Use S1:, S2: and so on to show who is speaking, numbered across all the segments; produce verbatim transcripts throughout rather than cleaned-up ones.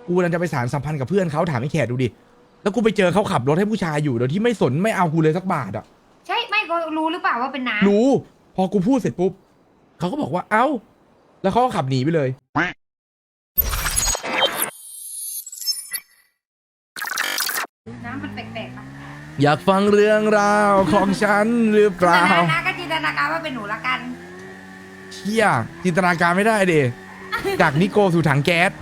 S1: กูกำลังจะไปสานสัมพันธ์กับเพื่อนเขาถามไอ้แขกดูดิแล้วกูไปเจอเขาขับรถให้ผู้ชายอยู่โดยที่ไม่สนไม่เอากูเลยสักบาทอ่ะ
S2: ใช่ไม่ก็รู้หรือเปล่าว่าเป็นน้า
S1: รู้พอกูพูดเสร็จปุ๊บเขาก็บอกว่าเอ้าแล้วเขาก็ขับหนีไปเลย
S2: น้ำมันแปลกๆปะ
S1: อยากฟังเรื่องราวของฉันหรือเปล่า
S2: น้าก็จินตนาการว่าเป็นหนูละกัน
S1: เชี่ยจินตนาการไม่ได้เดจากนิโกสู่ถังแก๊ส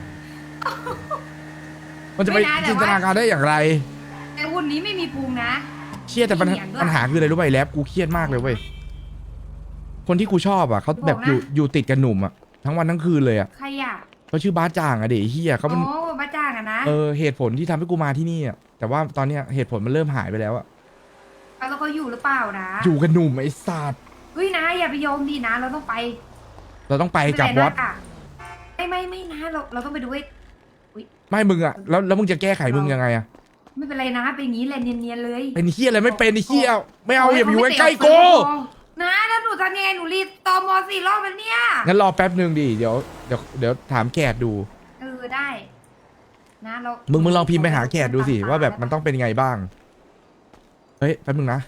S1: มันจะไปจินตนาการได้อย่างไร
S2: แต่หุ่นนี้ไม่มีพุงนะ
S1: เชี่ยแต่ปัญหาปัญหาคืออะไรรู้ป่ะแล็บกูเครียดมากเลยเว้ยคนที่กูชอบอ่ะเขาแบบอยู่อยู่ติดกับหนุ่มอ่ะทั้งวันทั้งคืนเลยอ่ะ
S2: ใครอ่ะ
S1: เขาชื่อบ้าจ่างอ่ะเด็กเฮียเขาเป็น
S2: โอ้บ้าจ่างอ่ะนะ
S1: เออเหตุผลที่ทำให้กูมาที่นี่อ่ะแต่ว่าตอนเนี้ยเหตุผลมันเริ่มหายไปแล้วอ่ะ
S2: แล้วเขาอยู่หรือเปล่านะ
S1: อยู่กับหนุ่มไอ้สัตว์
S2: เฮ้ยนะอย่าไปยอมดีนะเราต้องไป
S1: เราต้องไปกับวอต
S2: ไม่ไม่ไม่นะเราเราต้องไปดูไอ้
S1: ไม่มึงอ่ะแล้วแล้วมึงจะแก้ไขมึงยังไงอ่ะ
S2: ไม่เป็นไรนะเป็นอย่างนี้แหละเนียนๆเลย
S1: เป็นเฮียอะไรไม่เป็นเฮียไม่เอาอย่าไปอยู่ใกล้ๆกู
S2: นะแล้วหนูทำยังไงหนูรีดตอมอสี่รอบแล้วเนี่ย
S1: งั้นรอแป๊บนึงดิเดี๋ยวเดี๋ยวเดี๋ยวถามแขกดู
S2: เออได้นะเรา
S1: มึงมึงลองพิมพ์ไปหาแขกดูสิว่าแบบมันต้องเป็นยังไงบ้างเฮ้ยแป๊บนึงนะ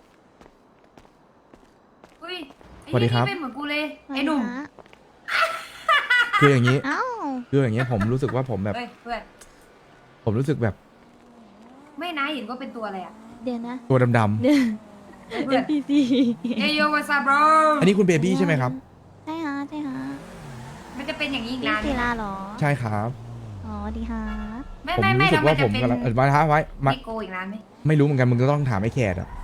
S1: สวัสดีครับ
S2: เป็นเหมือนกูเลยไอ้หนุ่ม
S1: คืออย่างนี้คืออย่างนี้ผมรู้สึกว่าผมแบบผมรู้สึกแบบ
S2: ไม่นะเห็นก็เป็นตัวอะไรอ่ะ
S3: เดี๋ยวนะ
S1: ตัวดำๆ
S3: เดี๋ยวพี่ซี
S2: เอโยวาซาบร
S1: อันนี้คุณเบบี้ใช่ไหมครับ
S3: ใช่ฮะใช่ฮะ
S2: มันจะเป็นอย่างนี้อีกนาน
S3: พี่ศิลาหรอ
S1: ใช่ครับ
S3: อ๋อดีฮะ
S2: ไม่ไม่ไม่
S1: รู้สึกว่าผมกำลังเออมาท้าไว้
S2: ไม่โกอีกนานไหม
S1: ไม่รู้เหมือนกันมึงก็ต้องถามไอ้แขกอ่ะ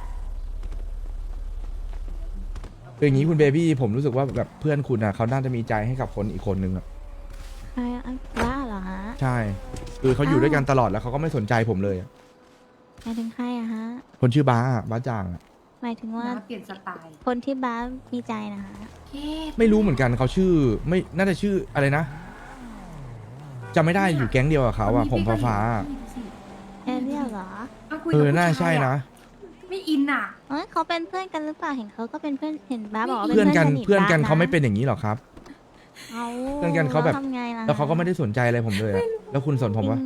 S1: เป็นอย่างนี้คุณเบบี้ผมรู้สึกว่าแบบเพื่อนคุณอ่ะเขาน่าจะมีใจให้กับคนอีกคนนึงอ่ะ
S3: ใช่บ้าเหรอฮะ
S1: ใช่คือเขาอยู่ด้วยกันตลอดแล้วเขาก็ไม่สนใจผมเลย
S3: หมายถึงใครอะฮะ
S1: คนชื่อบ้าบ้าจางอ่ะ
S3: หมายถึงว่า
S2: เปลี่ยนสไตล์
S3: คนที่บ้ามีใจนะคะ
S1: ไม่รู้เหมือนกันเขาชื่อไม่น่าจะชื่ออะไรนะจำไม่ได้อยู่แก๊งเดียวกับเขาอ่ะผมฟ้าฟ้า
S3: แอเรียลเหรอ
S1: เออน่าใช่นะ
S2: ไม่อินอ่ะ
S3: เออเขาเป็นเพื่อนกันหรือเปล่าเห็นเขาก็เป็นเพื่อนเห็นบ้าบอก
S1: เพื่อนกันเพื่อนกันเขาไม่เป็นอย่างนี้หรอครับ
S3: เ
S1: พื่อนกันเขาแบบแล้วเขาก็ไม่ได้สนใจอะไรผมเลยแล้วคุณสนผมวะ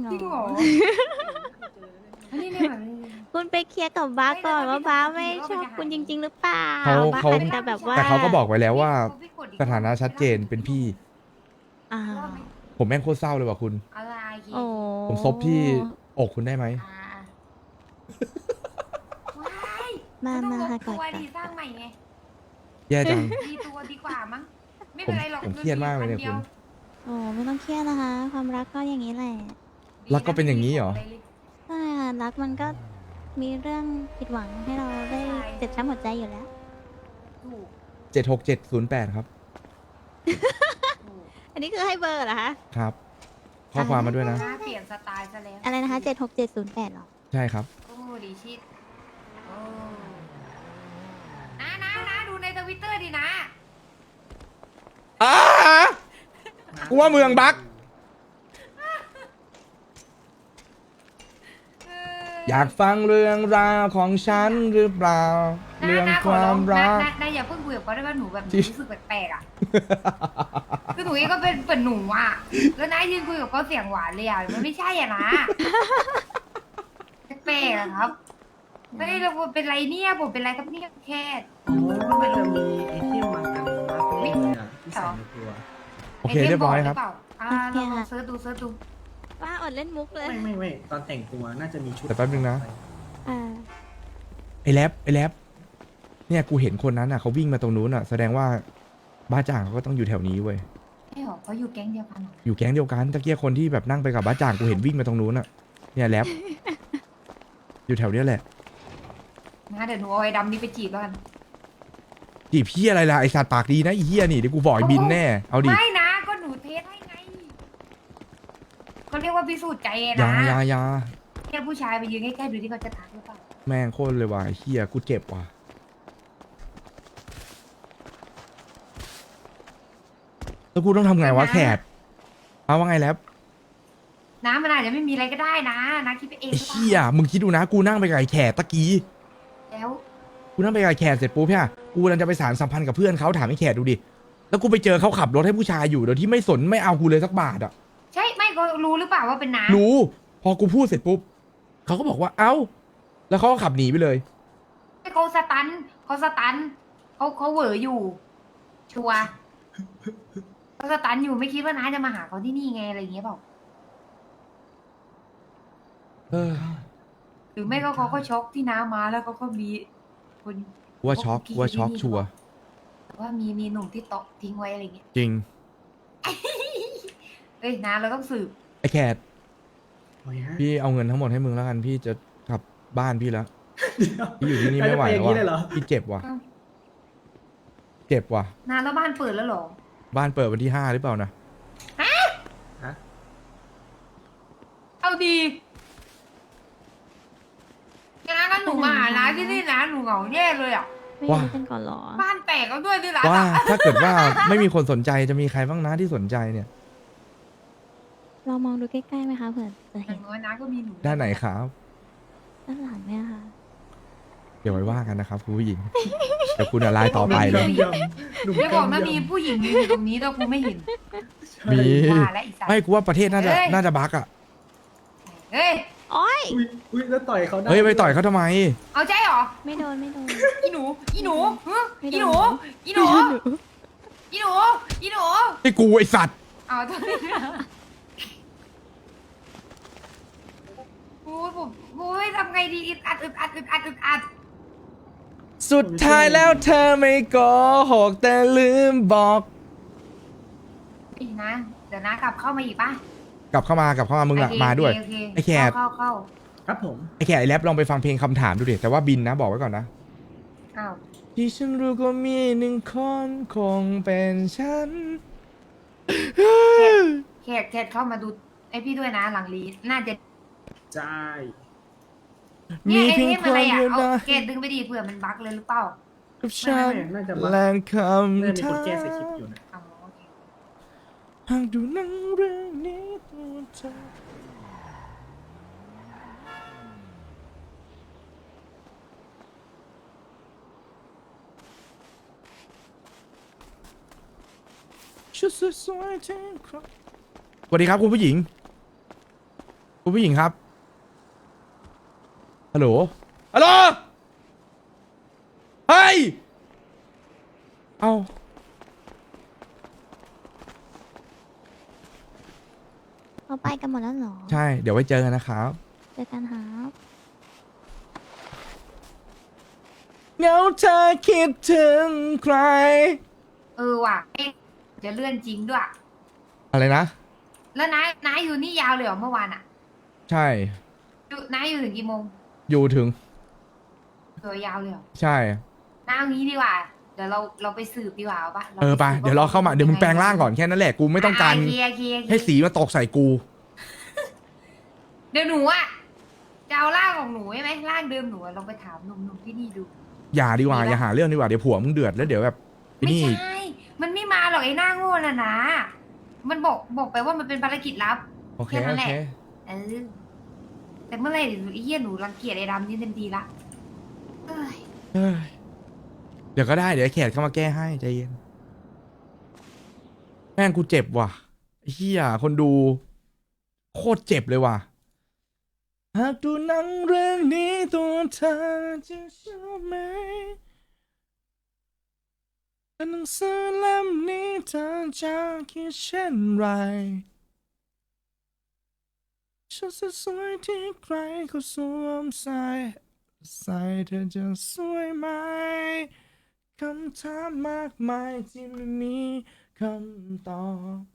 S3: คุณไปเคลียร์กับบ้าก่อนว่าบ้าไม่ชอบคุณจริงๆหรือเปล่า
S1: เขาเขา
S3: แต่แบบว่า
S1: แต่เขาก็บอกไว้แล้วว่าสถานะชัดเจนเป็นพี่ผมแม่งโคตรเศร้าเลยว่ะคุณผมซบที่อกคุณได้ไหม
S3: มามาค่ะก่อน
S2: สร้างใหม่ไง
S1: แย่จัง
S2: ดีตัวดีกว่ามั้งไม่เป็นไรหรอก
S1: ผมเครียดมากเลยเนี่ยคุณ
S3: โอ้ไม่ต้องเครียดนะคะความรักก็อย่างนี้แหละ
S1: รักก็เป็นอย่างนี้เหรอ
S3: ใช่ค่ะรักมันก็มีเรื่องผิดหวังให้เราได้เจ็บช้ำหัวใจอยู่แล้ว
S1: เจ็ดหกเจ็ดศูนย์แปดครับ
S3: อันนี้คือให้เบอร์เหรอคะ
S1: ครับข้อความมาด้วยนะ
S2: เปลี่ยนสไตล์ซะแล้ว
S3: อะไรนะคะเจ็ดหกเจ็ดศูนย์แปดหรอ
S1: ใช่ครับ
S2: โอ้ดีชิดนะนะนะดูในทวิตเตอร์ดีนะ
S1: อ้ากูว่าเมืองบักอยากฟังเรื่องราวของฉันหรือเปล่าเรื่องความรัก
S2: นายอย่าเพิ่งคุยกับเขาได้ว่าหนูแบบรู้สึกแปลกๆอ่ะคือหนูเองก็เป็นเป็นหนูอ่ะแล้วนายยืนคุยกับเขาเสียงหวานเลยอ่ะมันไม่ใช่อ่ะนะแปลกๆครับไม่ได้เราเป็นไรเนี่ยผมเป็นไรครับเนี่ยแค่
S4: โอ้มันจะมีไอเทมมากันมาเล่นเลยอ่ะที่ใส่ในตัว
S1: โอเคเรียบร้อยครับ
S2: อ่าลองเซิร์ชดูเซิร์ชดู
S3: ว่าอดเล่นมุกเลย
S4: ไม่ไม่ไม่ตอนแต่งตัวน่าจะมีชุด
S1: แต่แป๊บนึงนะไอแรปไอแรปเนี่ยกูเห็นคนนั้นอ่ะเขาวิ่งมาตรงนู้นอ่ะแสดงว่าบ้าจ่างเขาก็ต้องอยู่แถวนี้เว้ย
S2: ใช่หรอเขาอยู่แก๊งเดียวกันหรอ
S1: อยู่แก๊งเดียวกันตะเกียคนที่แบบนั่งไปกับบ้าจ่างกูเห็นวิ่งมาตรงนู้นอ่ะเนี่ยแรปอยู่แถวเนี้ยแหละ
S2: งั้นเดี๋ยวหนูเอาไอ้ดำนี้ไปจีบแล้วกัน
S1: จีบพี่อะไรล่ะไอสัตว์ปากดีนะไอเฮียนี่เดี๋ยวกูบอกไอบินแน่เอาดิ
S2: ไม่นะก็หนูเทสให้ไงเขาเรียกว่าพิสูจน์ใจนะ
S1: ยายายา
S2: แค่ผู้ชายไปยืนใกล้ๆดูที่เขาจะทักหรือเปล่า
S1: แม่งโคตรเลยว่ะเฮียกูเจ็บว่ะแล้วกูต้องทำไงวะแขกเอาว่าไงแล้ว
S2: น้ำมันอาจจะไม่มีอะไรก็ได้นะนะคิดไปเอง
S1: เฮียมึงคิดดูนะกูนั่งไปกับไอ้แขกตะกี้
S2: แล้ว
S1: กูนั่งไปกับไอ้แขกเสร็จปุ๊บเนี่ยกูกำลังจะไปสานสัมพันธ์กับเพื่อนเขาถามไอ้แขกดูดิแล้วกูไปเจอเขาขับรถให้ผู้ชายอยู่โดยที่ไม่สนไม่เอากูเลยสักบาทอ่ะ
S2: ใช่ไม่ก็รู้หรือเปล่าว่าเป็นน้า
S1: รู้ พอกูพูดเสร็จปุ๊บเขาก็บอกว่าเอ้า แล้วเขาก็ขับหนีไปเลย
S2: ให้เขาสตันเขาสตันเขาเขาเหวออยู่ ชัวร์เขาสตันอยู่ไม่คิดว่าน้าจะมาหาเขาที่นี่ไงอะไรอย่างเงี้ยเปล่า
S1: เออ
S2: หรือไม่ก็เขาก็ช็อกที่น้ามาแล้วเขาก็มีคน
S1: ว่าช็อกว่าช็อกชัวร์
S2: ว่ามีมีหนุ่มที่โต๊ะทิ้งไว้อะไรเงี้ย
S1: จริง
S2: เอ้ยน้าเราต้องสืบ
S1: ไอ้แคท
S4: โอ้ยฮะ
S1: พี่เอาเงินทั้งหมดให้มึงแล้วกัน พี่จะกลับบ้านพี่แล้ว
S4: เดี๋ยว
S1: พี่อยู่ที่นี่ไม่ไหว
S4: จะ
S1: แล้ว
S4: ปอย่างนี้เลยเหรอ
S1: ว่ะพี่เจ็บว่ะ เจ็บว่ะ
S2: น้าแล้วบ้านเปิดแล้วเหรอ
S1: บ้านเปิดวันที่ห้าหรือเปล่านะ
S4: ฮะ
S2: เอาดีน้าก็หนูมาหาน้าที่นี่นะหนูเหงาแย่เลยอ่ะ
S3: ไม่
S1: ว่า
S3: รู้กันก่อนเหรอ
S2: บ้านแตกแล้วด้วยที่ร้าน
S1: ว่า
S2: อะ
S1: ถ้าเกิดว่าไม่มีคนสนใจจะมีใครบ้างนะที่สนใจเนี่ย
S3: เรามองดูใกล้ๆไหมคะเผื่อจะ
S2: อ
S3: เห็
S2: ย่าน งน้อยน้าก็มีหนู
S1: ด้านไหนครับ
S3: ด้านหลังไหมอะคะ
S1: เดี๋ยวไว้ว่ากันนะครับคุณผู้หญิง เดี๋ยวคุณอะไรต่อไปเลย
S4: ยำหนุ่ม
S2: ไม่บอกนะ
S4: ยำ
S2: มีผู้หญิงยืนอยู่ตรงนี้แต่กูไม่เห็น
S1: มี
S2: ว่าและอีสัตว์
S1: ไม่กูว่าประเทศน่าจะ
S2: เอ้ย
S1: น่าจะบั๊กอ่ะ
S2: เฮ้ย
S3: โอ๊ย
S4: อุ้ยอุ้ยแล้วต่อยเขาได้
S1: เฮ้ยไปต่อยเขาทำไม
S2: เอาใจเหรอ
S3: ไม่โดนไม่โดน
S2: อีหนู อีหนูฮะ
S3: ไม่
S2: อี
S3: โด
S2: หนู
S3: น
S2: อีหนู อีหนู อีหนู
S1: ไอ้กูไอ้สัตว์
S2: เอาตัวนี้โอ้ยผมโอ้ยทำไงดีอึดอัดอึดอัดอึดอัดอึดอัด
S1: สุดท้ายแล้วเธอไม่โกหกแต่ลืมบอก
S2: อีกนะ เดี๋ยวนะกลับเข้ามาอีกป่ะ
S1: กลับเข้ามากลับเข้ามามึงอะ
S2: โเค
S1: มาด้วย
S2: โเค
S1: ไอ้แขก
S2: เข้าเข้า
S4: ครับผม
S1: ไอ้แขกไอ้แรปลองไปฟังเพลงคำถามดูดิแต่ว่าบินนะบอกไว้ก่อนนะ
S2: เข้าอ้าว
S1: ที่ฉันรู้ก็มีหนึ่งคนคงเป็นฉัน
S2: แขกแขกเข้ามาดูไอพี่ด้วยนะหลังลีน่าจะ
S4: ใช่
S2: เนี่ยไอ้
S1: เพียง
S2: นี่
S1: ค
S2: มันอะไร
S1: น
S2: อ่ะ
S1: เดียว
S2: เอา
S1: นะ
S2: เกตดึงไปดีเผื่อมันบั๊กเลยหรือเปล่า
S1: กับฉัน
S4: น่าจะมา
S1: แรงค
S4: น่าจะมี
S1: ำ
S4: คนแก้
S1: ถาม
S4: สคริปต์อยู่นะ
S2: อ๋อโอเค
S1: หากดูหนังเรื่องนี้ตัวเธอชุดสวยๆที่ครับสวัสดีครับคุณผู้หญิง คุณผู้หญิงครับ ฮัลโหล ฮัลโหล เฮ้ย เอา
S3: เราไปกันหมดแล้วเหรอ
S1: ใช่ เดี๋ยวไว้เจอกันนะครับ
S3: เจอกันครับ
S1: เงาเธอคิดถึงใคร
S2: เออว่ะเอ๊ะจะเลื่อนจริงด้วย
S1: อะไรนะ
S2: แล้วนายนายอยู่นี่ยาวเลยเหรอเมื่อวานอ่ะ
S1: ใช่
S2: อยู่นายอยู่ถึงกี่โมง
S1: อยู่ถึง
S2: เออยาวเลยเหรอ
S1: ใช่
S2: นายเอางี้ดีกว่า เดี๋ยวเราเราไปสืบดีกว่าเอาปะ
S1: เออไปเดี๋ยวเราเข้ามา เดี๋ยวมึงแปลงร่างก่อนแค่นั้นแหละ กูไม่ต้องการ
S2: ะเคลียร์เคลียร์เคลียร์
S1: ให้สีมาตกใส่กู
S2: เดี๋ยวหนูอ่ะจะเอาร่างของหนูใช่ไหมร่างเดิมหนูอะลองไปถามหนุ่มๆที่นี่ดู
S1: อย่าดีกว่า
S2: ดีปะ
S1: อย่าหาเรื่องดีกว่า เดี๋ยวผัวมึงเดือดแล้วเดี๋ยวแบบไอ้
S2: ไม่
S1: นี่
S2: ใช่ มันไม่มาหรอกไอ้หน้าโง่น่ะนะ มันบอกบอกไปว่ามันเป็นภารกิจลับ
S1: โอเค
S2: แค่นั้
S1: โอน
S2: แหละ
S1: เค
S2: เออ แต่เมื่อไหร่เดี๋ยวไอ้เหี้ยหนูรังเกียจไอ้ดำนี่เต็มทีละเอ้ย
S1: เฮ้ยเดี๋ยวก็ได้ เดี๋ยวไอ้แขกเข้ามาแก้ให้ใจเย็น แม่งกูเจ็บว่ะไอ้เฮียคนดู โคตรเจ็บเลยว่ะ หากดูหนังเรื่องนี้ตัวเธอจะชอบไหมแต่หนังสือเล่มนี้เธอจะคิดเช่นไรชุดสวยๆที่ใครเขาสวมใส่ใส่เธอจะสวยไหมคำถามมากมายที่ไม่มีคำตอบ